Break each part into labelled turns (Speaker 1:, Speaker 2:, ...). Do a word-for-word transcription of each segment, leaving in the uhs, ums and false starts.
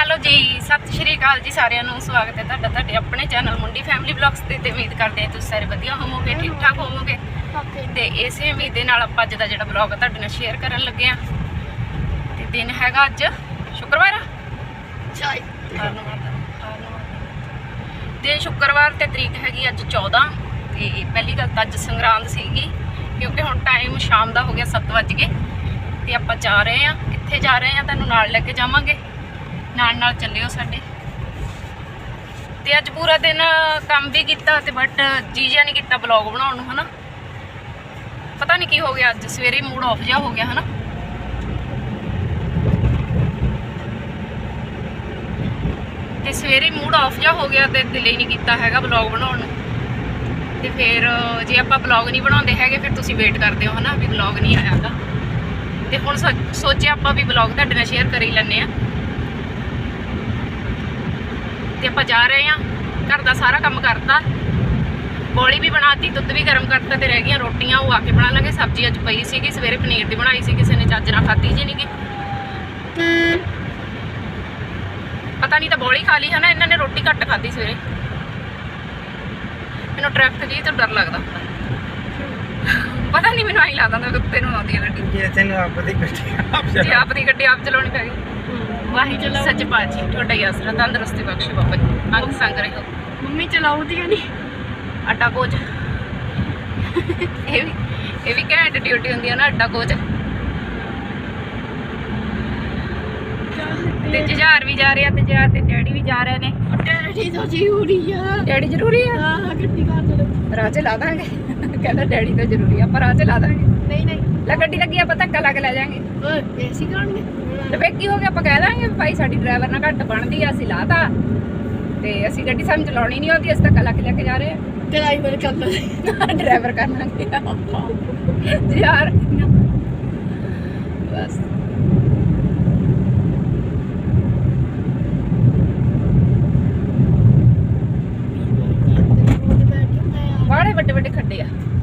Speaker 1: Hello जी, सत श्री अकाल जी सारिਆਂ ਨੂੰ। स्वागत है ਤੁਹਾਡਾ ਤੁਹਾਡੇ ਆਪਣੇ चैनल मुंडी फैमिली ब्लॉग्स ਤੇ ਤੇ ਉਮੀਦ ਕਰਦੇ ਹਾਂ ਤੁਸੀਂ ਸਾਰੇ ਵਧੀਆ ਹੋਵੋਗੇ, ਠੀਕ ਠਾਕ ਹੋਵੋਗੇ। ਤੇ ਇਸੇ ਉਮੀਦ ਦੇ ਨਾਲ ਆਪਾਂ ਅੱਜ ਦਾ ਜਿਹੜਾ ਬਲੌਗ ਤੁਹਾਡੇ ਨਾਲ ਸ਼ੇਅਰ ਕਰਨ ਲੱਗੇ ਆ। ਤੇ ਦਿਨ ਹੈਗਾ ਅੱਜ ਸ਼ੁੱਕਰਵਾਰ ਦਿਨ ਸ਼ੁੱਕਰਵਾਰ ਤੇ ਤਰੀਕ ਹੈਗੀ ਅੱਜ चौदह। ਤੇ ਪਹਿਲੀ ਗੱਲ ਤਾਂ ਅੱਜ ਸੰਗਰਾਂਦ ਸੀਗੀ ਕਿਉਂਕਿ ਹੁਣ ਟਾਈਮ ਸ਼ਾਮ ਦਾ ਹੋ ਗਿਆ ਸੱਤ ਵੱਜ ਗਏ। ਤੇ ਆਪਾਂ ਜਾ ਰਹੇ ਆ, ਕਿੱਥੇ ਜਾ ਰਹੇ ਆ ਤੁਹਾਨੂੰ ਨਾਲ ਲੈ ਕੇ ਜਾਵਾਂਗੇ, ਨਾਲ ਨਾਲ ਚੱਲਿਓ ਸਾਡੇ। ਤੇ ਅੱਜ ਪੂਰਾ ਦਿਨ ਕੰਮ ਵੀ ਕੀਤਾ ਤੇ ਬਟ ਜੀ ਜਿਹਾ ਨਹੀਂ ਕੀਤਾ ਬਲੌਗ ਬਣਾਉਣ ਨੂੰ, ਹਨਾ। ਪਤਾ ਨਹੀਂ ਕੀ ਹੋ ਗਿਆ, ਅੱਜ ਸਵੇਰੇ ਮੂਡ ਆਫ ਜਿਹਾ ਹੋ ਗਿਆ, ਹਨਾ। ਤੇ ਸਵੇਰੇ ਮੂਡ ਆਫ ਜਿਹਾ ਹੋ ਗਿਆ ਤੇ ਦਿਲ ਹੀ ਨਹੀਂ ਕੀਤਾ ਹੈਗਾ ਬਲੌਗ ਬਣਾਉਣ ਨੂੰ। ਤੇ ਫਿਰ ਜੇ ਆਪਾਂ ਬਲੌਗ ਨਹੀਂ ਬਣਾਉਂਦੇ ਹੈਗੇ ਫਿਰ ਤੁਸੀਂ ਵੇਟ ਕਰਦੇ ਹੋ, ਹਨਾ, ਵੀ ਬਲੌਗ ਨਹੀਂ ਆਇਆਗਾ। ਤੇ ਹੁਣ ਸੋਚਿਆ ਆਪਾਂ ਵੀ ਬਲੌਗ ਤੁਹਾਡੇ ਨਾਲ ਸ਼ੇਅਰ ਕਰ ਹੀ ਲੈਂਦੇ ਆ। ਤੇ ਆਪਾਂ ਜਾ ਰਹੇ ਆ, ਘਰ ਦਾ ਸਾਰਾ ਕੰਮ ਕਰਤਾ, ਬੋਲੀ ਵੀ ਬਣਾਤੀ, ਦੁੱਧ ਵੀ ਗਰਮ ਕਰਤਾ ਤੇ ਰਹਿ ਗਈਆਂ ਰੋਟੀਆਂ, ਉਹ ਆ ਕੇ ਬਣਾ ਲਾਂਗੇ। ਸਬਜ਼ੀ ਅੱਜ ਪਈ ਸੀਗੀ, ਸਵੇਰੇ ਪਨੀਰ ਦੀ ਬਣਾਈ ਸੀ, ਕਿਸੇ ਨੇ ਚੱਜ ਨਾਲ ਖਾਧੀ ਜੀ ਨਹੀਂ ਗੀ, ਪਤਾ ਨਹੀਂ ਤਾਂ ਬੋਲੀ ਖਾ ਲਈ, ਹਨਾ। ਇਹਨਾਂ ਨੇ ਰੋਟੀ ਘੱਟ ਖਾਧੀ ਸਵੇਰੇ। ਮੈਨੂੰ ਟ੍ਰੈਫਿਕ ਜੀ ਤੋਂ ਡਰ ਲੱਗਦਾ, ਪਤਾ ਨਹੀਂ, ਮੈਨੂੰ ਆਈ ਲੱਗਦਾ ਕੁੱਤੇ ਨੂੰ ਆਉਂਦੀ ਹੈ ਗੱਡੀ। ਜੀ ਆਪ ਦੀ ਗੱਡੀ ਆਪ ਚਲਾਉਣੀ ਪੈ ਗਈ। ਵਾਹੀ ਚਲਾਓ ਸੱਚ ਬਾਜੀ, ਤੁਹਾਡਾ ਹੀ ਆਸਰਾ, ਤੰਦਰੁਸਤੀ ਬਖਸ਼ੇ ਬਾਬਾ ਜੀ, ਅੰਗ ਸੰਗ ਰਹੋ। ਮੰਮੀ ਚਲਾਉਂਦੀ ਨਹੀਂ ਅੱਡਾ ਕੋਚ, ਇਹ ਵੀ ਇਹ ਵੀ ਘੈਂਟ ਡਿਊਟੀ ਹੁੰਦੀ ਹੈ ਨਾ, ਅੱਡਾ ਕੋਚ। ਤੇ ਜੁਝਾਰ ਵੀ ਜਾ ਰਿਹਾ ਤੇ ਜਾ ਤੇ ਡੈਡੀ ਵੀ ਜਾ ਰਹੇ ਨੇ। ਡੈਡੀ ਤਾਂ ਜ਼ਰੂਰੀ ਆ, ਡੈਡੀ ਜ਼ਰੂਰੀ ਆ। ਹਾਂ, ਗੱਡੀ ਕਾਰ ਚਲੋ, ਰਾਹ ਚ ਲਾ ਦਾਂਗੇ। ਕਹਿੰਦਾ ਡੈਡੀ ਤਾਂ ਜ਼ਰੂਰੀ ਆ, ਆਪਾਂ ਰਾਹ ਚ ਲਾ ਦਾਂਗੇ। ਨਹੀਂ ਨਹੀਂ ਲੈ, ਗੱਡੀ ਲੱਗੀ ਆਪਾਂ ਧੱਕਾ ਲਾ ਕੇ ਲੈ ਜਾਾਂਗੇ। ਏਸੀ ਕਰਾਉਣਗੇ ਤੇ ਫੇਰ ਕੀ ਹੋ ਗਿਆ, ਆਪਾਂ ਕਹਿ ਦਾਂਗੇ ਭਾਈ ਸਾਡੀ ਡਰਾਈਵਰ ਨਾਲ ਘੱਟ ਬਣਦੀ ਆ, ਅਸੀਂ ਲਾਤਾ ਤੇ ਅਸੀਂ ਗੱਡੀ ਸਾਨੂੰ ਚਲਾਉਣੀ ਨਹੀਂ ਆਉਂਦੀ, ਅਸੀਂ ਧੱਕਾ ਲਾ ਕੇ ਲੈ ਕੇ ਜਾ ਰਹੇ ਆ। ਡਰਾਈਵਰ ਕਰ ਲਾਂਗੇ, ਡਰਾਈਵਰ ਕਰ ਲਾਂਗੇ ਯਾਰ, ਬਸ। ਬਾੜੇ ਵੱਡੇ ਵੱਡੇ ਖੱਡੇ ਆ।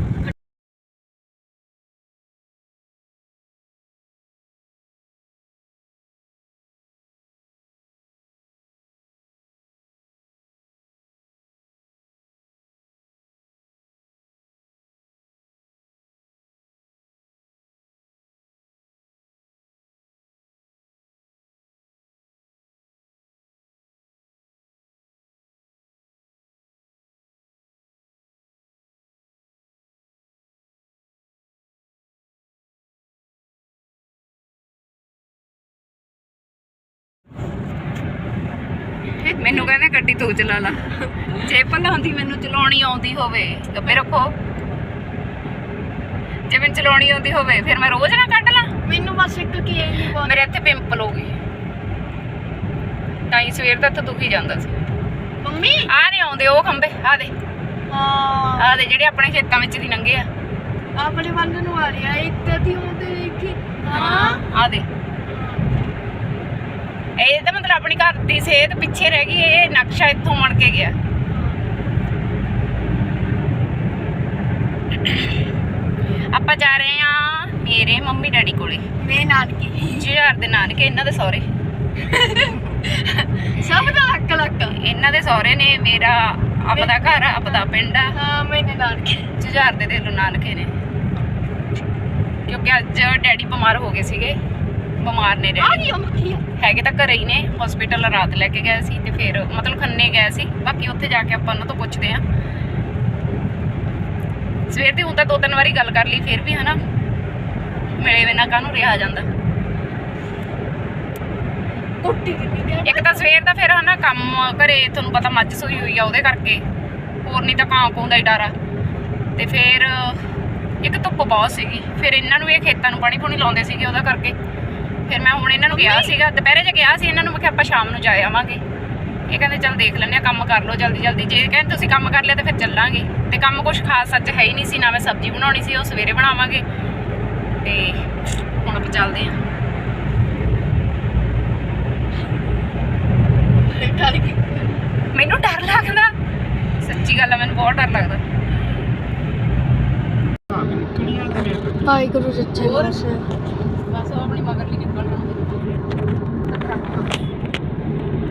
Speaker 1: ਮੈਨੂੰ ਕਹਿੰਦੇ ਗੱਡੀ ਤੂੰ ਚਲਾ ਲਾ, ਜੇ ਭਲਾ ਹੁੰਦੀ ਮੈਨੂੰ ਚਲਾਉਣੀ ਆਉਂਦੀ ਹੋਵੇ, ਗੱਬੇ ਰੱਖੋ, ਜੇ ਮੈਨੂੰ ਚਲਾਉਣੀ ਆਉਂਦੀ ਹੋਵੇ ਫਿਰ ਮੈਂ ਰੋਜ਼ ਨਾ ਕੱਢ ਲਾਂ। ਮੈਨੂੰ ਬਸ ਇੱਕ ਕੀ ਹੈ, ਮੇਰੇ ਇੱਥੇ ਪਿੰਪਲ ਹੋ ਗਈ, ਤਾਂ ਹੀ ਸਵੇਰ ਦਾ ਇੱਥੇ ਦੁਖੀ ਜਾਂਦਾ ਸੀ। ਮੰਮੀ ਆ ਨਹੀਂ ਆਉਂਦੇ ਉਹ ਖੰਭੇ, ਆ ਦੇ, ਹਾਂ ਆ ਦੇ ਜਿਹੜੇ ਆਪਣੇ ਖੇਤਾਂ ਵਿੱਚ ਦੀ ਲੰਘੇ ਆ, ਆਪਣੇ ਵੱਲ ਨੂੰ ਆ ਰਿਹਾ ਇੱਥੇ ਦੀ ਆਉਂਦੇ ਦੇਖੀ। ਹਾਂ ਆ ਦੇ, ਇਹ ਤਾਂ ਮਤਲਬ ਆਪਣੀ ਘਰ ਦੀ ਸਿਹਤ ਪਿੱਛੇ ਰਹਿ ਗਈ, ਇਹ ਨਕਸ਼ਾ ਇੱਥੋਂ ਬਣ ਕੇ ਗਿਆ। ਆਪਾਂ ਜਾ ਰਹੇ ਆ ਮੇਰੇ ਮੰਮੀ ਡੈਡੀ ਕੋਲੇ, ਮੇਰੇ ਨਾਨਕੇ, ਜੁਝਾਰ ਦੇ ਨਾਨਕੇ, ਇਹਨਾਂ ਦੇ ਸਹੁਰੇ। ਸਭ ਦਾ ਲੱਕ ਲੱਕ, ਇਹਨਾਂ ਦੇ ਸਹੁਰੇ ਨੇ, ਮੇਰਾ ਆਪਦਾ ਘਰ, ਆਪਦਾ ਪਿੰਡ ਆ। ਹਾਂ ਮੇਰੇ ਨਾਨਕੇ, ਜੁਝਾਰ ਦੇ ਦਿਲੋਂ ਨਾਨਕੇ ਨੇ, ਕਿਉਂਕਿ ਅੱਜ ਡੈਡੀ ਬਿਮਾਰ ਹੋ ਗਏ ਸੀਗੇ, ਬਿਮਾਰ ਨੇ ਡੈਡੀ, ਹੈਗੇ ਤਾਂ ਘਰੇ ਹੀ ਨੇ, ਹਸਪੀਟਲ ਰਾਤ ਲੈ ਕੇ ਗਏ ਸੀ ਤੇ ਫਿਰ ਮਤਲਬ ਖੰਨੇ ਗਏ ਸੀ। ਬਾਕੀ ਉੱਥੇ ਜਾ ਕੇ ਆਪਾਂ ਉਹਨਾਂ ਤੋਂ ਪੁੱਛਦੇ ਆ। ਸਵੇਰ ਦੀ ਹੁਣ ਤਾਂ ਦੋ ਤਿੰਨ ਵਾਰੀ ਗੱਲ ਕਰ ਲਈ, ਫਿਰ ਵੀ ਹਨਾ ਮਿਲੇ ਬਿਨਾਂ ਕਾਹਨੂੰ ਰਿਹਾ ਜਾਂਦਾ। ਇੱਕ ਤਾਂ ਸਵੇਰ ਦਾ ਫਿਰ ਹਨਾ ਕੰਮ ਘਰੇ, ਤੁਹਾਨੂੰ ਪਤਾ ਮੱਝ ਸੂਈ ਹੋਈ ਆ ਉਹਦੇ ਕਰਕੇ, ਹੋਰ ਨਹੀਂ ਤਾਂ ਕਾਂ ਕੂੰ ਦਾ ਹੀ ਡਰ ਆ। ਤੇ ਫਿਰ ਇੱਕ ਧੁੱਪ ਬਹੁਤ ਸੀਗੀ, ਫਿਰ ਇਹਨਾਂ ਨੂੰ ਇਹ ਖੇਤਾਂ ਨੂੰ ਪਾਣੀ ਪੂਣੀ ਲਾਉਂਦੇ ਸੀਗੇ, ਉਹਦਾ ਕਰਕੇ ਫਿਰ ਮੈਂ ਹੁਣ ਇਹਨਾਂ ਨੂੰ ਕਿਹਾ ਸੀਗਾ, ਦੁਪਹਿਰੇ ਜੇ ਕਿਹਾ ਸੀ ਇਹਨਾਂ ਨੂੰ, ਮੈਂ ਕਿਹਾ ਆਪਾਂ ਸ਼ਾਮ ਨੂੰ ਜਾ ਆਵਾਂਗੇ। ਇਹ ਕਹਿੰਦੇ ਚੱਲ ਦੇਖ ਲੈਂਦੇ ਆ, ਕੰਮ ਕਰ ਲਓ ਜਲਦੀ ਜਲਦੀ, ਜੇ ਕਹਿੰਦੇ ਤੁਸੀਂ ਕੰਮ ਕਰ ਲਿਆ ਤਾਂ ਫਿਰ ਚੱਲਾਂਗੇ। ਤੇ ਕੰਮ ਕੁਛ ਖਾਸ ਸੱਚ ਹੈ ਹੀ ਨਹੀਂ ਸੀ, ਨਾ ਮੈਂ ਸਬਜ਼ੀ ਬਣਾਉਣੀ ਸੀ, ਉਹ ਸਵੇਰੇ ਬਣਾਵਾਂਗੇ। ਤੇ ਹੁਣ ਆਪਾਂ ਚੱਲਦੇ ਹਾਂ। ਮੈਨੂੰ ਡਰ ਲੱਗਦਾ, ਸੱਚੀ ਗੱਲ ਆ, ਮੈਨੂੰ ਬਹੁਤ ਡਰ ਲੱਗਦਾ।
Speaker 2: ਵਾਹਿਗੁਰੂ ਸੱਚੇ ਪਾਤਸ਼ਾਹ।
Speaker 1: ਬਸ ਉਹ ਆਪਣੀ ਮਗਰ ਲਈ ਨਿਕਲ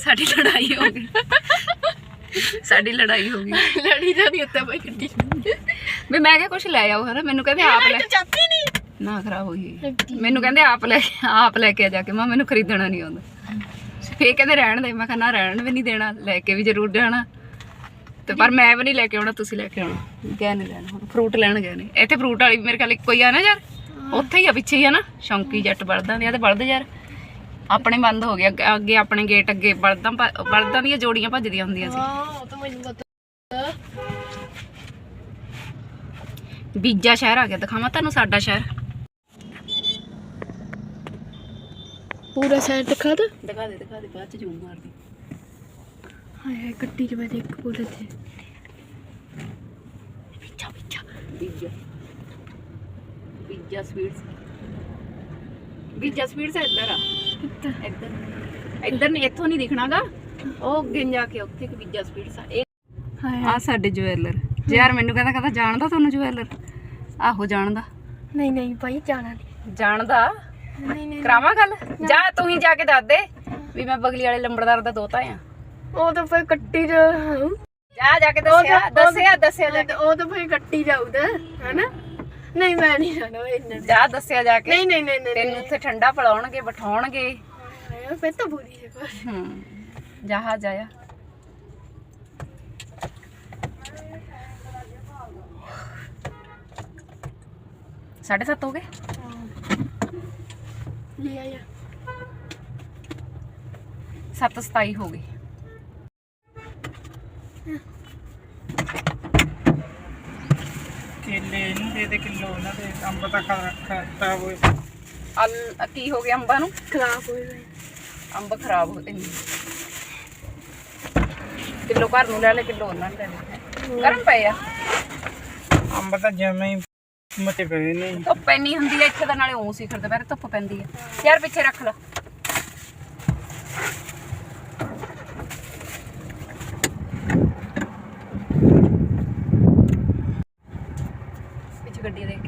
Speaker 1: ਸਾਡੀ ਲੜਾਈ ਹੋ ਗਈ ਸਾਡੀ ਲੜਾਈ ਹੋ ਗਈ
Speaker 2: ਲੜੀ ਜਾਣੀ ਉੱਤੇ ਬਈ ਗੱਡੀ
Speaker 1: ਵੀ ਮੈਂ ਕਿਹਾ ਕੁਛ ਲੈ ਆਓ ਹਨਾ ਮੈਨੂੰ ਕਹਿੰਦੇ ਆਪ ਲੈ
Speaker 2: ਚਾਪੀ ਨਹੀਂ
Speaker 1: ਨਾ ਖਰਾਬ ਹੋਈ ਮੈਨੂੰ ਕਹਿੰਦੇ ਆਪ ਲੈ ਆਪ ਲੈ ਕੇ ਜਾ ਕੇ ਮੈਂ ਮੈਨੂੰ ਖਰੀਦਣਾ ਨਹੀਂ ਆਉਂਦਾ ਫੇਰ ਕਹਿੰਦੇ ਰਹਿਣ ਦੇ ਮੈਂ ਕਿਹਾ ਨਾ ਰਹਿਣ ਵੀ ਨਹੀਂ ਦੇਣਾ ਲੈ ਕੇ ਵੀ ਜ਼ਰੂਰ ਜਾਣਾ ਤੇ ਪਰ ਮੈਂ ਵੀ ਨਹੀਂ ਲੈ ਕੇ ਆਉਣਾ ਤੁਸੀਂ ਲੈ ਕੇ ਆਉਣਾ ਕਿਆ ਨਹੀਂ ਲੈਣਾ ਹੁਣ ਫਰੂਟ ਲੈਣ ਗਏ ਨੇ ਇੱਥੇ ਫਰੂਟ ਵਾਲੀ ਮੇਰੇ ਖਿਆਲ ਇੱਕੋ ਹੀ ਆ ਨਾ ਯਾਰ ਉੱਥੇ ਹੀ ਆ ਪਿੱਛੇ ਹੀ ਆ ਨਾ ਸ਼ੌਂਕੀ ਜੱਟ ਬਲਦਾਂ ਦੀਆਂ ਤੇ ਬਲਦ ਯਾਰ ਆਪਣੇ ਬੰਦ ਹੋ ਗਿਆ ਅੱਗੇ ਆਪਣੇ ਗੇਟ ਅੱਗੇ ਬਲਦਾਂ ਬਲਦਾਂ ਦੀਆਂ ਜੋੜੀਆਂ ਭੱਜਦੀਆਂ ਹੁੰਦੀਆਂ ਸੀ
Speaker 2: ਹਾਂ ਤਾਂ ਮੈਨੂੰ ਪਤਾ
Speaker 1: ਬੀਜਾ ਸ਼ਹਿਰ ਆ ਗਿਆ ਦਿਖਾਵਾਂ ਤੁਹਾਨੂੰ ਸਾਡਾ ਸ਼ਹਿਰ
Speaker 2: ਪੂਰਾ ਸਾਈਡ ਦਿਖਾ ਦੇ
Speaker 1: ਦਿਖਾ ਦੇ ਦਿਖਾ ਦੇ ਬਾਅਦ ਚ ਜ਼ੂਮ ਮਾਰਦੀ
Speaker 2: ਹਾਏ ਹਾਏ ਗੱਡੀ ਚ ਬੈਠੇ ਇੱਕ ਪੂਰੇ ਤੇ
Speaker 1: ਬੀਜਾ ਬੀਜਾ ਬੀਜਾ ਬੀਜਾ ਸਵੀਟਸ ਬੀਜਾ ਸਵੀਟਸ ਇੱਧਰ ਆ ਇੱਧਰ ਇੱਧਰ ਨਹੀਂ ਇੱਥੋਂ ਨਹੀਂ ਦਿਖਣਾਗਾ ਉਹ ਅੱਗੇ ਜਾ ਕੇ ਉੱਥੇ ਕਿ ਬੀਜਾ ਸਵੀਟਸ ਆ ਇਹ
Speaker 2: ਹਾਏ
Speaker 1: ਆ ਸਾਡੇ ਜੁਐਲਰ ਯਾਰ ਮੈਨੂੰ ਕਹਿੰਦਾ ਕਹਿੰਦਾ ਜਾਣਦਾ ਤੁਹਾਨੂੰ ਜੁਐਲਰ ਆਹੋ ਜਾਣਦਾ
Speaker 2: ਨਹੀਂ ਨਹੀਂ ਭਾਈ ਜਾਣਾ ਨਹੀਂ
Speaker 1: ਜਾਣਦਾ
Speaker 2: ਨਹੀਂ ਨਹੀਂ
Speaker 1: ਕਰਾਵਾਂ ਗੱਲ ਜਾ ਤੂੰ ਹੀ ਜਾ ਕੇ ਦੱਸ ਦੇ ਵੀ ਮੈਂ ਬਗਲੀ ਵਾਲੇ ਲੰਬੜਦਾਰ ਦਾ ਦੋਤਾ ਆ
Speaker 2: ਉਹ ਤਾਂ ਫਿਰ ਕੱਟੀ ਜਾ
Speaker 1: ਜਾ ਜਾ ਕੇ ਦੱਸਿਆ ਦੱਸਿਆ ਦੱਸਿਆ ਜਾ ਕੇ
Speaker 2: ਉਹ ਤਾਂ ਫਿਰ ਕੱਟੀ ਜਾਊਦਾ ਹੈਨਾ ਨਹੀਂ ਮੈਂ ਨਹੀਂ ਜਾਣਾ ਇੰਨਾ
Speaker 1: ਜਾ ਦੱਸਿਆ ਜਾ ਕੇ
Speaker 2: ਨਹੀਂ ਨਹੀਂ ਨਹੀਂ ਨਹੀਂ
Speaker 1: ਤੈਨੂੰ ਉੱਥੇ ਠੰਡਾ ਪਿਲਾਉਣਗੇ ਬਿਠਾਉਣਗੇ
Speaker 2: ਹਾਏ ਫਿਰ ਤਾਂ ਬੁਰੀ ਹੈ ਕੁਛ
Speaker 1: ਹੂੰ ਜਾ ਜਾਇਆ साढ़े सात हो गए
Speaker 2: ले आया
Speaker 1: सत्त सताई हो गई
Speaker 3: केले इनू दे दे किलो ना दे अंब ता खराब होए
Speaker 1: अल की हो गया अंबा नू
Speaker 2: खराब हो गए
Speaker 1: अंब खराब हो गए किलो घर नू ले ले किलो उन्हां नू ले ले गरम पे आ
Speaker 3: अंब ता जमे ही ਮਤੇ ਪਏ ਨਹੀਂ
Speaker 1: ਧੁੱਪ ਇੰਨੀ ਹੁੰਦੀ ਹੈ ਇੱਥੇ ਤਾਂ ਨਾਲੇ ਉਹ ਸਿਖਰ ਦੁਪਹਿਰੇ ਧੁੱਪ ਪੈਂਦੀ ਹੈ ਯਾਰ ਪਿੱਛੇ ਰੱਖ ਲਾ ਪਿੱਛੇ ਗੱਡੀ ਦੇਖ ਕੇ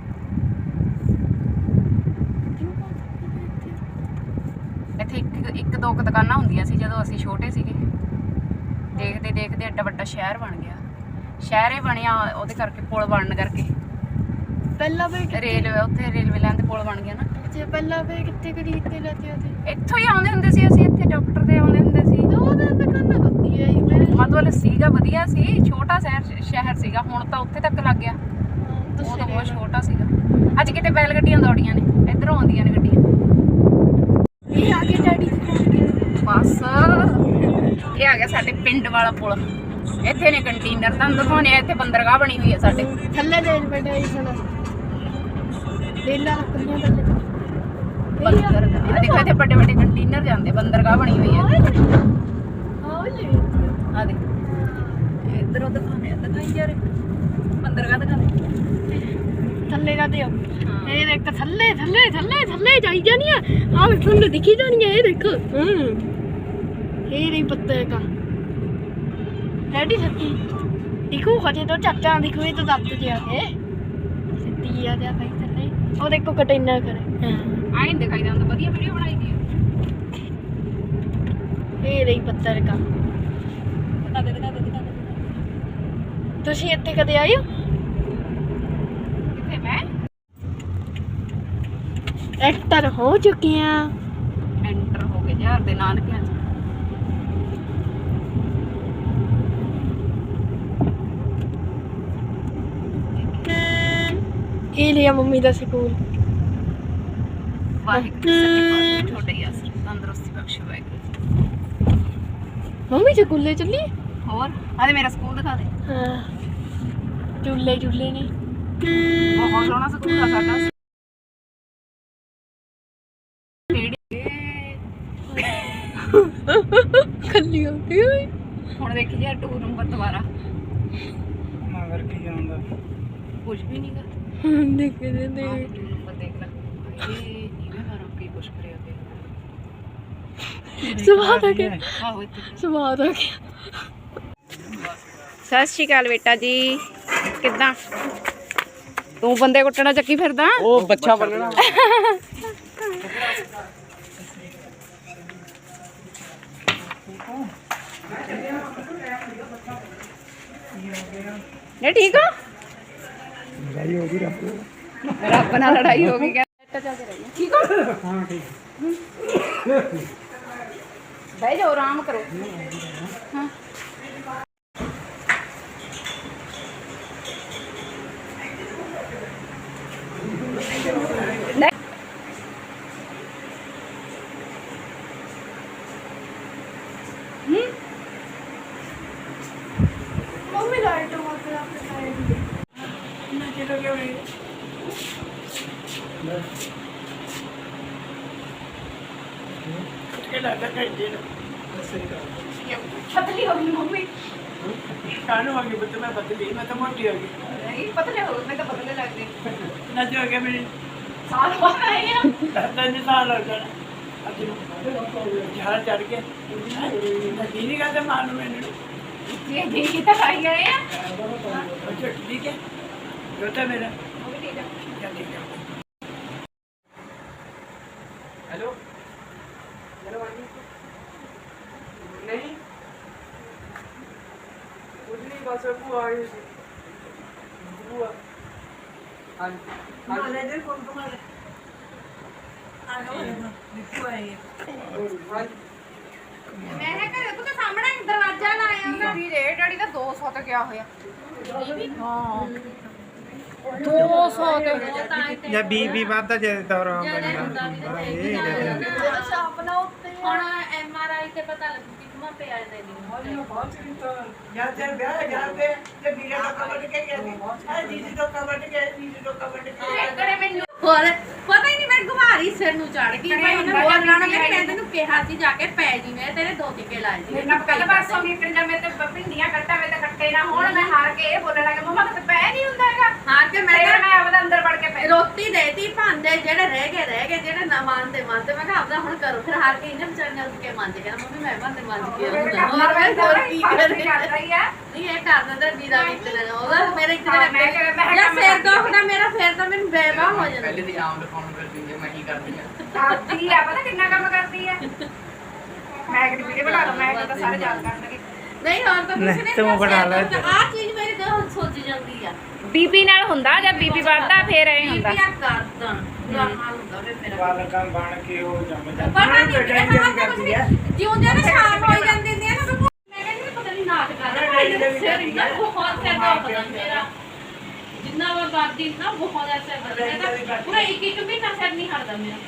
Speaker 1: ਇੱਥੇ ਇੱਕ ਇੱਕ ਦੋ ਕੁ ਦੁਕਾਨਾਂ ਹੁੰਦੀਆਂ ਸੀ ਜਦੋਂ ਅਸੀਂ ਛੋਟੇ ਸੀਗੇ ਦੇਖਦੇ ਦੇਖਦੇ ਐਡਾ ਵੱਡਾ ਸ਼ਹਿਰ ਬਣ ਗਿਆ ਸ਼ਹਿਰ ਹੀ ਬਣਿਆ ਉਹਦੇ ਕਰਕੇ ਪੁਲ ਬਣਨ ਕਰਕੇ
Speaker 2: ਪਹਿਲਾਂ ਵੀ
Speaker 1: ਰੇਲਵੇ ਉੱਥੇ ਰੇਲਵੇ ਲਾਈਨ ਤੇ ਪੁਲ ਬਣ ਗਿਆ ਨਾ
Speaker 2: ਜੇ ਪਹਿਲਾਂ ਵੀ ਕਿੱਥੇ ਖਰੀਦਦੇ ਲੈਤੇ ਹੁੰਦੇ
Speaker 1: ਇੱਥੋਂ ਹੀ ਆਉਂਦੇ ਹੁੰਦੇ ਸੀ ਅਸੀਂ ਇੱਥੇ ਡਾਕਟਰ ਦੇ ਆਉਂਦੇ ਹੁੰਦੇ ਸੀ
Speaker 2: ਦੋ ਦਿਨ ਦੁਕਾਨਾਂ ਹੁੰਦੀ ਹੈ
Speaker 1: ਮਤਲਬ ਸੀਗਾ ਵਧੀਆ ਸੀ ਛੋਟਾ ਸ਼ਹਿਰ ਸ਼ਹਿਰ ਸੀਗਾ ਹੁਣ ਤਾਂ ਉੱਥੇ ਤੱਕ ਲੱਗ ਗਿਆ ਉਹ ਤਾਂ ਬਹੁਤ ਛੋਟਾ ਸੀਗਾ ਅੱਜ ਕਿਤੇ ਬੈਲ ਗੱਡੀਆਂ ਦੌੜੀਆਂ ਨੇ ਇੱਧਰੋਂ ਆਉਂਦੀਆਂ ਨੇ ਗੱਡੀਆਂ
Speaker 2: ਇਹ ਆ ਗਿਆ ਡੈਡੀ
Speaker 1: ਬਸ ਇਹ ਆ ਗਿਆ ਸਾਡੇ ਪਿੰਡ ਵਾਲਾ ਪੁਲ ਇੱਥੇ ਨੇ ਕੰਟੇਨਰ ਤੁਹਾਨੂੰ ਦਿਖਾਉਣੇ ਆ ਇੱਥੇ ਬੰਦਰਗਾਹ ਬਣੀ ਹੋਈ ਹੈ ਸਾਡੇ
Speaker 2: ਥੱਲੇ ਦੇ ਬੈਠਾ ਹੀ ਸੁਣਾ ਰੇਲਾਂ ਲੱਕੜੀਆਂ ਥੱਲੇ
Speaker 1: ਬੰਦਰਗਾਹ ਦੇਖੋ ਇੱਥੇ ਵੱਡੇ ਵੱਡੇ ਕੰਟੇਨਰ ਜਾਂਦੇ ਬੰਦਰਗਾਹ ਬਣੀ ਹੋਈ ਹੈ
Speaker 2: ਹਾਂ ਲੈ
Speaker 1: ਆ ਦੇ ਇੱਧਰੋਂ ਦਿਖਾਉਣੇ ਆ ਦਿਖਾਈ ਯਾਰ ਬੰਦਰਗਾਹ ਦਿਖਾਉਂਦੇ
Speaker 2: ਥੱਲੇ ਦਾ ਦਿਓ ਇਹ ਦੇਖ ਥੱਲੇ ਥੱਲੇ ਥੱਲੇ ਥੱਲੇ ਜਾਈ ਜਾਣੀ ਆ ਆ ਵੀ ਤੁਹਾਨੂੰ ਦਿਖੀ ਜਾਣੀ ਆ ਇਹ ਦੇਖੋ ਹੂੰ ਇਹ ਨਹੀਂ ਪੱਤੇ ਕਾ ਡੈਡੀ ਸੱਚੀ ਦੇਖੋ ਹਜੇ ਤਾਂ ਚਾਚਾ ਦੇਖੋ ਇਹ ਤਾਂ ਦੱਬ ਜਿਆ ਕੇ ਸਿੱਧੀ ਆ ਜਾ ਭਾਈ ਥੱਲੇ ਉਹ ਦੇਖੋ ਕੰਟੇਨਰ ਕਰੇ ਹਾਂ
Speaker 1: ਆਇਂ ਦਿਖਾਈ ਜਾਂਦਾ ਵਧੀਆ ਵੀਡੀਓ ਬਣਾਈ ਦੀ
Speaker 2: ਇਹ ਨਹੀਂ ਪੱਤਰ ਕਾ
Speaker 1: ਦਿਖਾ ਦੇ ਦਿਖਾ ਦੇ ਦਿਖਾ ਦੇ
Speaker 2: ਤੁਸੀਂ ਇੱਥੇ ਕਦੇ ਆਏ ਹੋ
Speaker 1: ਕਿੱਥੇ ਮੈਂ
Speaker 2: ਐਕਟਰ ਹੋ ਚੁੱਕੇ ਆ
Speaker 1: ਐਂਟਰ ਹੋ ਗਏ ਯਾਰ ਦੇ ਨਾਨਕਿਆਂ ਚ
Speaker 2: ਇਹ ਲਿਆ ਮੰਮੀ ਦਾ ਸਕੂਲ
Speaker 1: ਵਾਹਿਗੁਰੂ ਸੱਚੇ ਪਾਤਸ਼ਾਹ ਤੁਹਾਡੇ ਯਾਰ ਤੰਦਰੁਸਤੀ ਬਖਸ਼ੇ ਵਾਹਿਗੁਰੂ
Speaker 2: ਮੰਮੀ ਸਕੂਲੇ ਚੱਲੀ
Speaker 1: ਹੋਰ ਆਦੇ ਮੇਰਾ ਸਕੂਲ ਦਿਖਾ ਦੇ
Speaker 2: ਹਾਂ ਚੁੱਲੇ ਚੁੱਲੇ ਨੇ
Speaker 1: ਬਹੁਤ ਸੋਹਣਾ ਸਕੂਲ ਆ ਸਾਡਾ
Speaker 2: ਖੱਲੀ ਹੁੰਦੀ ਹੋਈ
Speaker 1: ਹੁਣ ਦੇਖੀ ਯਾਰ ਟੂ ਨੰਬਰ ਦੁਬਾਰਾ
Speaker 3: ਮਗਰ ਕੀ ਜਾਂਦਾ
Speaker 1: ਕੁਝ ਵੀ ਨਹੀਂ ਕਰ
Speaker 2: ਦੇਖਦੇ ਦੇ
Speaker 1: ਟੂ ਨੰਬਰ ਦੇਖ ਲੈ ਇਹ ਨੀਵੇਂ ਮਾਰੋ ਕੀ ਕੁਛ ਕਰਿਆ ਤੇ
Speaker 2: ਸਵਾਦ ਆ ਗਿਆ
Speaker 1: ਆਹੋ ਇੱਥੇ
Speaker 2: ਸਵਾਦ ਆ ਗਿਆ
Speaker 1: ਸਤਿ ਸ਼੍ਰੀ ਅਕਾਲ ਬੇਟਾ ਜੀ ਕਿੱਦਾਂ ਤੂੰ ਬੰਦੇ ਕੁੱਟਣਾ ਚੱਕੀ ਫਿਰਦਾ
Speaker 3: ਉਹ ਬੱਚਾ ਬੰਨਣਾ ਠੀਕ ਹੋ
Speaker 1: ਨੇ ਠੀਕ ਹੋ
Speaker 3: ਲੜਾਈ ਹੋ ਗਈ ਰੱਬ
Speaker 1: ਰੱਬ ਨਾਲ ਲੜਾਈ ਹੋ ਗਈ ਠੀਕ ਹੋ
Speaker 3: ਹਾਂ ਠੀਕ
Speaker 1: ਬਹਿ ਜਾਓ ਆਰਾਮ ਕਰੋ ਹਾਂ
Speaker 2: ਮੰਮੀ ਲਾਈਟ ਮਾਰ ਆਪਣੇ ਸਾਈਡ
Speaker 3: ਨਾ ਚਲੋ ਕਿਉਂ ਨਹੀਂ ਇਹ ਲੱਗਦਾ ਕਿ ਜੇ
Speaker 1: ਪਤਲੀ ਹੋ ਗਈ ਮੰਮੀ
Speaker 3: ਕਾਨੂੰ ਆ ਗਈ ਬੱਤ ਮੈਂ ਬਦਲੀ ਮੈਂ ਤਾਂ ਮੋਟੀ ਹੋ ਗਈ
Speaker 1: ਨਹੀਂ ਪਤਲੇ ਹੋ ਗਏ ਮੈਂ ਤਾਂ ਪਤਲੇ ਲੱਗਦੇ
Speaker 3: ਨਾ ਜੋ ਗਿਆ ਮੇਰੀ
Speaker 1: ਸਾਲ ਬਾਅਦ ਆਏ ਆ
Speaker 3: ਦਸ ਦਿਨ ਸਾਲ ਲੱਗ ਜਾਣਾ ਅੱਜ ਨੂੰ ਝਾੜ ਚੜ ਕੇ ਨਾ ਜੀ ਨਹੀਂ ਕਰਦਾ ਮਾਰ ਨੂੰ ਮੈਨੂੰ
Speaker 1: ਜੀ ਜੀ ਤਾਂ ਖਾਈ ਗਏ ਆ
Speaker 3: ਅੱਛਾ ਠੀਕ ਹੈ ਬੇਟਾ ਮੇਰਾ
Speaker 1: ਉਹ ਵੀ ਠੀਕ ਆ
Speaker 3: क्या ठीक है हेलो हेलो आंटी नहीं कुछ नहीं बस वो आ गई थी वो हाँ मैनेजर कौन तुम्हारे आ गए निकू आई है
Speaker 1: ਮੈਂ ਕਿਹਾ ਘਰੇ ਤੂੰ ਤਾਂ ਸਾਹਮਣੇ ਦਰਵਾਜ਼ਾ ਲਾਇਆ ਉਹਦਾ ਵੀ ਰੇਟ ਅੜੀ ਤਾਂ ਦੋ ਸੌ ਤੇ ਗਿਆ ਹੋਇਆ ਹਾਂ ਦੋ ਸੌ ਤੇ
Speaker 3: या बीबी बात दा जे दौरा बनदा ये
Speaker 2: ਹੁਣ ਐਮ ਆਰ ਆਈ ਤੇ ਪਤਾ ਲੱਗੂ ਕਿ ਕਿੰਨਾ ਪਿਆ ਇਹਦੇ ਲਈ
Speaker 3: या जब ब्याह जाते जब बीरा का कवर के गया है दीदी तो कवर के दीदी तो कवर के
Speaker 1: ਘਰੇ ਮੈਨੂੰ
Speaker 2: ਹੋਰ ਪਤਾ ਹੀ ਨਹੀਂ ਮੈਂ ਘੁਮਾਰੀ ਸਿਰ ਨੂੰ ਚੜ ਗਈ
Speaker 1: ਕਰੇ
Speaker 2: ਭਾਈ
Speaker 1: ਹੁੰਦਾ
Speaker 2: ਨੇ ਬੋਲ
Speaker 1: ਜਾਂ
Speaker 2: ਰਾਣਾ
Speaker 1: ਨਹੀਂ
Speaker 2: ਮੈਂ ਤੈਨੂੰ ਕਿਹਾ ਸੀ ਜਾ ਕੇ ਪੈ ਜੀ ਮੈਂ ਤੇਰੇ ਦੋ ਟਿੱਕੇ ਲਾਏ ਸੀ
Speaker 1: ਮੇਰੇ ਨਾਲ ਕੱਲ ਪਾਸੋਂ ਵੀ ਪਿੰਡਾਂ ਮੇ ਤੇ ਭਿੰਡੀਆਂ ਕੱਟਾ ਵੇ ਤੇ ਕੱਟੇ ਨਾ ਹੁਣ ਮੈਂ ਹਾਰ ਕੇ ਇਹ ਬੋਲਣ ਲੱਗਾ ਮਮਾ ਤੇ ਪੈ ਨਹੀਂ ਹੁੰਦਾ ਹੈਗਾ
Speaker 2: ਹਾਂ ਕਿ ਮੈਂ
Speaker 1: ਫਿਰ
Speaker 2: ਕਿਹਾ
Speaker 1: ਮੈਂ ਆਪਦਾ ਅੰਦਰ ਵੜ ਕੇ ਪੈ
Speaker 2: ਰੋਟੀ ਦੇਤੀ ਭਾਂਡੇ ਜਿਹੜੇ ਰਹਿ ਗਏ ਰਹਿ ਗਏ ਜਿਹੜੇ ਨਾ ਮੰਨਦੇ ਮੰਨਦੇ ਮੈਂ ਕਿਹਾ ਆਪਦਾ ਹੁਣ ਕਰੋ ਫਿਰ ਹਾਰ ਕੇ ਇਹਨੇ ਵਿਚਾਰੀਆਂ ਉੱਠ ਕੇ ਮੰਨ ਗਿਆ ਮੰਮੀ ਮੈਂ ਭਾਂਡੇ ਮੰਨ ਕੇ ਆਉਂਦਾ ਹੋਰ ਮੈਂ ਹੋਰ ਕੀ ਕਰੇ
Speaker 1: ਕਰਦਾ ਹੀ ਆ
Speaker 2: ਨਹੀਂ ਇਹ ਕਰ ਦਿੰਦਾ ਵੀਰਾ ਵੀ ਤੇ ਉਹਦਾ ਮੇਰੇ ਇੱਕ
Speaker 1: ਹਾਂ, ਮੈਂ ਕਿਹਾ- ਮੈਂ
Speaker 2: ਜਾਂ
Speaker 1: ਕਿਹਾ
Speaker 2: ਸਿਰ ਦੁਖਦਾ ਮੇਰਾ ਫਿਰ ਤਾਂ ਮੈਨੂੰ ਬੇਵਾ ਹੋ ਜਾਂਦਾ
Speaker 4: ਪਹਿਲੇ ਤੇ ਆਮ ਦਿਖਾਉਣ ਕਰਦੀ ਹੈ ਮੈਂ ਕੀ ਕਰਦੀ ਆ
Speaker 1: ਕਰਦੀ ਆ ਪਤਾ ਕਿੰਨਾ ਕੰਮ ਕਰਦੀ ਆ ਮੈਂ ਕਿ ਵੀਡੀਓ ਬਣਾ ਲਵਾਂ ਮੈਂ ਤਾਂ ਸਾਰੇ ਯਾਦ ਕਰਨਗੇ
Speaker 2: ਨਹੀਂ ਹੋਰ ਤਾਂ ਕੁਝ ਨਹੀਂ
Speaker 3: ਤੂੰ ਬਣਾ ਲੈ
Speaker 2: ਆ ਚੀਜ਼ ਮੇਰੇ ਦਿਲ ਸੋਚ ਜਾਂਦੀ ਆ
Speaker 1: ਬੀਬੀ ਨਾਲ ਹੁੰਦਾ ਜਾਂ ਬੀਬੀ ਵੱਧਦਾ ਫੇਰ ਐ ਹੁੰਦਾ
Speaker 2: ਬੀਬੀਆਂ ਕਰਦਾਂ ਦਾ ਹਾਲ ਹੁੰਦਾ ਵੇ ਮੇਰਾ
Speaker 3: ਵਾਲ ਕੰਮ ਬਣ ਕੇ ਉਹ ਜੰਮ
Speaker 2: ਪਤਾ ਨਹੀਂ ਇਹ ਹਾਂ ਤਾਂ ਕੁਝ ਨਹੀਂ ਜਿਉਂਦੇ ਨੇ ਸ਼ਾਮ ਹੋ ਜਾਂਦੀ ਹੁੰਦੀ ਹੈ ਨਾ ਮੈਂ ਕਹਿੰਦੀ ਪਤਾ ਨਹੀਂ ਨਾਟ ਕਰਦਾ ਸਿਰ ਇੰਨਾ ਬਹੁਤ ਸਿਰ ਦਾ ਪਤਾ ਮੇਰਾ ਜਿੰਨਾ ਵਾ ਬਾਦੀ ਨਾ ਬਹੁਤ ਐਸਾ ਕਰਦਾ ਪੂਰਾ ਇੱਕ ਇੱਕ ਮਹੀਨਾ ਸਿਰ ਨਹੀਂ ਹਟਦਾ ਮੇਰਾ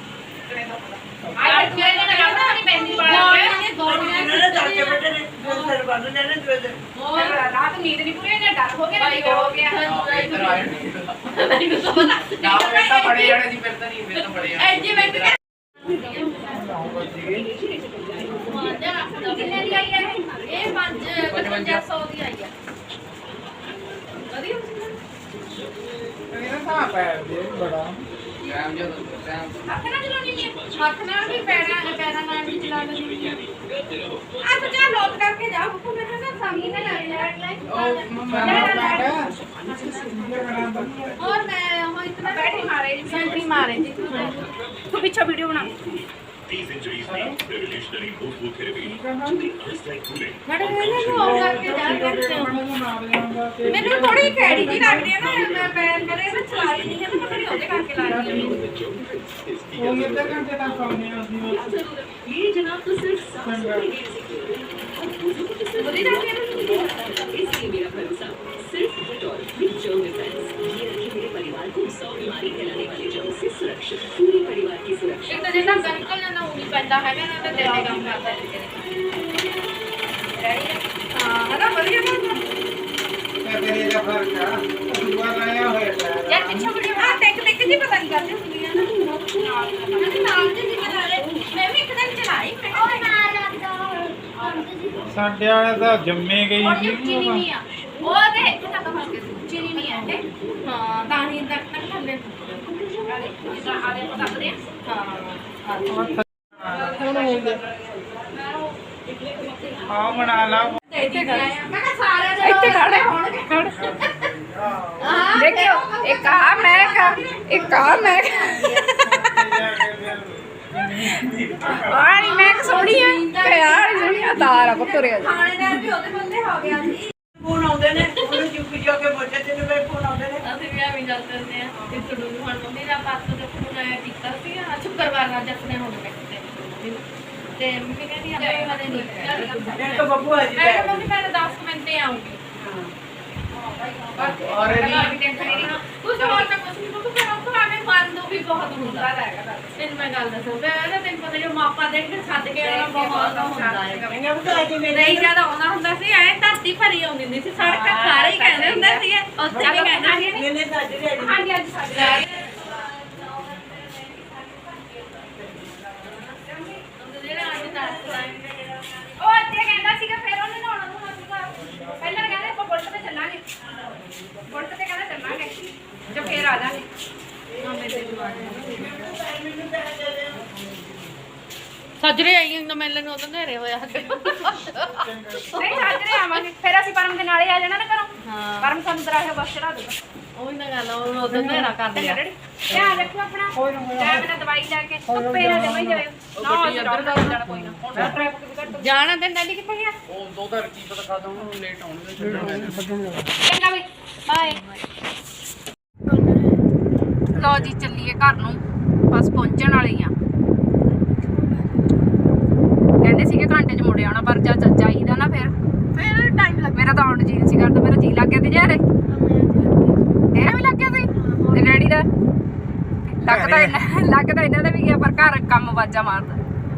Speaker 1: ਆਈ ਤੇ ਮੇਰੇ ਨਾਲ ਕਰਦਾ ਨਹੀਂ ਪੈਂਦੀ ਵਾਲਾ
Speaker 2: ਗੋਲੀਆਂ ਗੋਲੀਆਂ
Speaker 3: ਇਹਨਾਂ ਨੇ ਕੇ ਬੈਠੇ ਨੇ ਦੋ ਸਿਰ ਬੰਨ ਲੈਣੇ ਦੂਏ
Speaker 2: ਹੋਰ
Speaker 1: ਰਾਤ ਨੀਂਦ ਨਹੀਂ ਪੂਰੀ ਹੋਈ ਡਰ ਹੋ ਗਿਆ ਨਾ ਹੋ ਗਿਆ
Speaker 4: ਇੱਧਰ ਆਏ ਨਹੀਂ
Speaker 2: ਮੈਨੂੰ ਤਾਂ ਪਤਾ
Speaker 4: ਨਾ ਮੈਂ ਤਾਂ ਬੜੇ ਜਾਣੇ ਦੀ ਫਿਰ ਤਾਂ ਨਹੀਂ ਫਿਰ ਤਾਂ ਬੜੇ ਜਾਣੇ
Speaker 2: ਐ ਜੀ ਮੈਂ ਕਿਹਾ
Speaker 1: ਕਿੰਨੇ ਦੀ ਆਈ ਹੈ
Speaker 2: ਇਹ ਪੰਜ ਪਚਵੰਜਾ ਸੌ ਦੀ ਆਈ ਆ ਵਧੀਆ
Speaker 3: ਇਹਨਾਂ ਦਾ ਪੈਰ ਦੇ ਬੜਾ
Speaker 4: ਟਾਈਮ ਜਦੋਂ ਟਾਈਮ
Speaker 1: ਹੱਥ ਨਾਲ ਚਲਾਉਣੀ ਨਹੀਂ
Speaker 2: ਹੱਥ ਨਾਲ ਵੀ ਪੈਰਾਂ ਪੈਰਾਂ ਨਾਲ ਵੀ ਚਲਾ ਲੈਂਦੀ ਆ ਤਾਂ ਜਾ ਲੋਕ ਕਰਕੇ ਜਾ ਬੱਕੂ ਮੇਰੇ ਨਾਲ ਸਾਹਮਣੇ ਨਾ ਲੈਟ ਲਾਈਟ
Speaker 4: ਉਹ ਮੰਮਾ
Speaker 2: और मैं वहाँ इतना
Speaker 1: बैठी मारे जी
Speaker 2: सेंट्री मारे थी
Speaker 1: तू पीछे वीडियो बना
Speaker 5: These injuries need revolutionary Bosu therapy to be just like cooling.
Speaker 2: मैंने मैंने वो करके जा करके मैंने थोड़ी कैडी जी लग रही है ना मैं पैर मेरे में चला रही नहीं है तो थोड़ी होते करके ला रही है
Speaker 3: ਉਹ ਕਿੰਨੇ ਘੰਟੇ ਤੱਕ ਆਉਣੀ ਹੁੰਦੀ
Speaker 5: ये जनाब तो सिर्फ सांस
Speaker 2: बोली जाती है
Speaker 5: इसलिए मेरा भरोसा सिर्फ डेटॉल विद जर्म डिफेंस ये रखे मेरे परिवार को सौ बीमारी फैलाने वाले जर्म से सुरक्षित पूरे परिवार की सुरक्षा
Speaker 2: एक तो जितना गंकल ना उनी पैदा है ना तो देने काम करता है हां है ना बढ़िया बात
Speaker 3: ਹੈ ਤੇਰੇ ਦਾ ਫਰਕ ਆ ਦੂਆ ਲਾਇਆ ਹੋਇਆ ਪੈਰ
Speaker 2: यार पीछे वीडियो हां टेक टेक जी पता नहीं करती हुंदी है ना नाल नाल जी जिम्मे नाले मैं भी एक दिन चलाई मैं और नाल
Speaker 3: ਸਾਡੇ ਵਾਲੇ ਤਾਂ ਜੰਮੇ ਗਈ
Speaker 2: और
Speaker 3: ਸੀ
Speaker 2: ये चीनी नहीं है वो दे कितना कम के चीनी नहीं है हां दानी तक तक थल्ले जितना आले पता दे हां
Speaker 3: ਹੁਣ ਹੋ ਗਿਆ ਆ ਬਣਾ ਲਾ
Speaker 2: मैं कहा सारे
Speaker 1: ਇੱਥੇ ਖੜੇ ਹੋਣਗੇ
Speaker 2: हां
Speaker 1: ਦੇਖਿਓ ਇੱਕ ਆ ਮੈਂ ਕਾ ਇੱਕ ਆ ਮੈਂ ਆਣੀ ਮੈਂ ਸੋਹਣੀ ਆ ਤੇ ਆਣੀ ਇਹ ਤਾਰ ਆ ਪੁੱਤਰੇ
Speaker 2: ਥਾਣੇਦਾਰ ਵੀ ਉਹਦੇ ਬੰਦੇ ਹੋ ਗਿਆ ਸੀ
Speaker 3: ਫੋਨ ਆਉਂਦੇ ਨੇ ਉਹਨੂੰ ਚੁੱਪ ਜਾ ਕੇ ਬੱਚੇ ਤੇ ਮੇਰੇ ਫੋਨ ਆਉਂਦੇ ਨੇ
Speaker 2: ਅਸੀਂ ਵੀ ਐਵੇਂ ਜਾਂਦੇ ਹੁੰਦੇ ਆ ਤੇ ਤੁਹਾਨੂੰ ਹੁਣ ਮੰਮੀ ਦਾ ਪਾਸ ਤੋਂ ਫੋਨ ਆਇਆ ਕੀਤਾ ਸੀ ਆ ਸ਼ੁੱਕਰਵਾਰ ਨਾਲ ਜੱਸਨੇ ਹੁਣ ਬੈਠੇ ਤੇ ਮੰਮੀ ਕਹਿੰਦੀ ਆ ਮੈਂ ਹਲੇ ਨਹੀਂ
Speaker 3: ਇੱਕ ਬੱਬੂ ਆ ਜੀ
Speaker 2: ਮੈਂ ਕਿਹਾ ਮੰਮੀ ਮੈਂ ਦਸ ਮਿੰਟ ਤੇ ਆਉਂਗੀ
Speaker 4: ਔਰ
Speaker 2: ਕੁਝ ਹੋਰ ਤਾਂ ਕੁਝ ਨਹੀਂ ਕਿਉਂਕਿ ਫਿਰ ਉਹ ਆਵੇਂ ਮਨ ਨੂੰ ਵੀ ਬਹੁਤ ਹੁੰਦਾ ਹੈਗਾ ਤੈਨੂੰ ਮੈਂ ਗੱਲ ਦੱਸਾਂ ਮੈਂ ਨਾ ਤੈਨੂੰ ਪਤਾ ਜੋ ਮਾਪਾ ਦੇ ਕੇ ਛੱਡ ਕੇ ਆਉਣਾ ਬਹੁਤ ਹੁੰਦਾ ਹੈ
Speaker 3: ਕਹਿੰਦੇ ਉਹ ਤਾਂ ਅੱਜ ਮੇਰੇ
Speaker 2: ਨਹੀਂ ਜਿਆਦਾ ਆਉਂਦਾ ਹੁੰਦਾ ਸੀ ਐ ਧਰਤੀ ਭਰੀ ਆਉਂਦੀ ਹੁੰਦੀ ਸੀ ਸੜਕਾਂ ਸਾਰੇ ਹੀ ਕਹਿੰਦੇ ਹੁੰਦੇ ਸੀ ਉੱਥੇ ਵੀ ਕਹਿੰਦੇ ਸੀ
Speaker 3: ਮੈਨੇ ਤਾਂ ਅੱਜ ਦੇ
Speaker 2: ਹਾਂਜੀ ਅੱਜ ਸਾਡੇ ਉਹ ਅੱਧੇ ਕਹਿੰਦਾ ਸੀਗਾ ਫਿਰ ਉਹਨੇ ਨਹਾਉਣਾ ਨੂੰ ਸੀਗਾ ਪਹਿਲਾਂ ਕਹਿੰਦੇ ਆਪਾਂ ਬੁਲਟ ਤੇ ਚੱਲਾਂਗੇ ਬੁਲਟ ਤੇ ਕਹਿੰਦਾ ਚੱਲਾਂਗੇ ਜੋ ਫੇਰ ਆ ਜਾਾਂਗੇ ਸੱਜਰੇ ਆਈਆਂ ਨਾ ਮਿਲਣ ਨੂੰ ਉਦੋਂ ਨੇਰੇ ਹੋਇਆ
Speaker 1: ਨਹੀਂ ਸਾਜਰੇ ਆਵਾਂਗੇ ਫਿਰ ਅਸੀਂ ਪਰਮ ਦੇ ਨਾਲੇ ਆ ਜਾਣਾ ਨਾ ਘਰੋਂ ਪਰਮ ਸਾਨੂੰ ਦਰਾਹੇ ਬਸ ਚੜਾ ਦੂਗਾ
Speaker 2: ਉਹ ਨਾ ਗੱਲ ਉਹ ਉਦੋਂ ਨੇਰਾ ਕਰ ਲਿਆ
Speaker 1: ਧਿਆਨ ਰੱਖੋ ਆਪਣਾ ਟਾਈਮ ਨਾਲ ਦਵਾਈ ਲੈ ਕੇ ਧੁੱਪੇ ਨਾ ਜਮਾਈ ਜਾਇਓ ਨਾ ਅਸੀਂ ਰੌਲਾ ਜਾਣਾ ਕੋਈ ਨਾ ਹੁਣ ਟ੍ਰੈਫਿਕ ਵੀ ਘੱਟ
Speaker 2: ਜਾਣਾ ਤੇ ਨੈਲੀ ਕਿੱਥੇ ਗਿਆ
Speaker 4: ਉਹ ਦੋ ਤਾਂ ਕੀ ਪਤਾ ਕਦੋਂ ਨੂੰ ਲੇਟ ਆਉਣਗੇ ਛੱਡਣ
Speaker 1: ਚੰਗਾ ਵੀ ਬਾਏ ਲੋ ਜੀ ਚੱਲੀਏ ਘਰ ਨੂੰ ਬਸ ਪਹੁੰਚਣ ਵਾਲੇ ਹੀ ਆ ਕਹਿੰਦੇ ਸੀਗੇ ਘੰਟੇ ਚ ਮੁੜ ਆਉਣਾ ਪਰ ਜਦ ਜਾਈਦਾ ਨਾ ਫਿਰ
Speaker 2: ਫਿਰ ਟਾਈਮ ਲੱਗ
Speaker 1: ਮੇਰਾ ਤਾਂ ਆਉਣ ਜੀ ਸੀ ਕਰਦਾ ਮੇਰਾ ਜੀ ਲੱਗ ਗਿਆ ਤੇ ਯਾਰ ਤੇਰਾ ਵੀ ਲੱਗ ਗਿਆ ਸੀ ਤੇ ਡੈਡੀ ਦਾ ਲੱਗਦਾ ਲੱਗਦਾ ਇਹਨਾਂ ਦਾ ਵੀ ਗਿਆ ਪਰ ਘਰ ਕੰਮ ਵਾਜਾ ਮਾਰਦਾ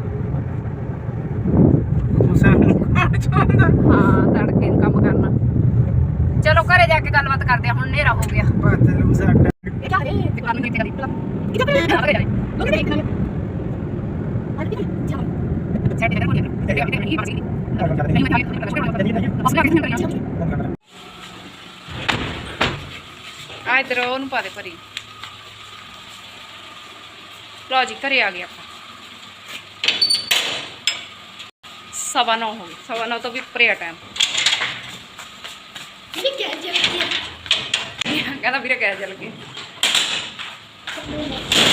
Speaker 1: ਹਾਂ ਤੜਕੇ ਨੂੰ ਕੰਮ ਕਰਨਾ ਚਲੋ ਘਰੇ ਜਾ ਕੇ ਗੱਲਬਾਤ ਕਰਦੇ ਆ ਹੁਣ ਹਨੇਰਾ ਹੋ ਗਿਆ ਆ ਇਧਰ ਉਹਨੂੰ ਪਾ ਦੇ ਭਰੀ ਲਓ ਜੀ ਘਰੇ ਆ ਗਏ ਆਪਾਂ ਸਵਾ ਨੌ ਹੋ ਗਏ ਸਵਾ ਨੌ ਤੋਂ ਵੀ ਉੱਪਰ ਆ ਟਾਈਮ
Speaker 2: ਇਹ ਕਿਆ ਚੱਲ ਗਿਆ
Speaker 1: ਕਹਿੰਦਾ ਵੀਰੇ ਕਹਿ ਚੱਲ ਗਏ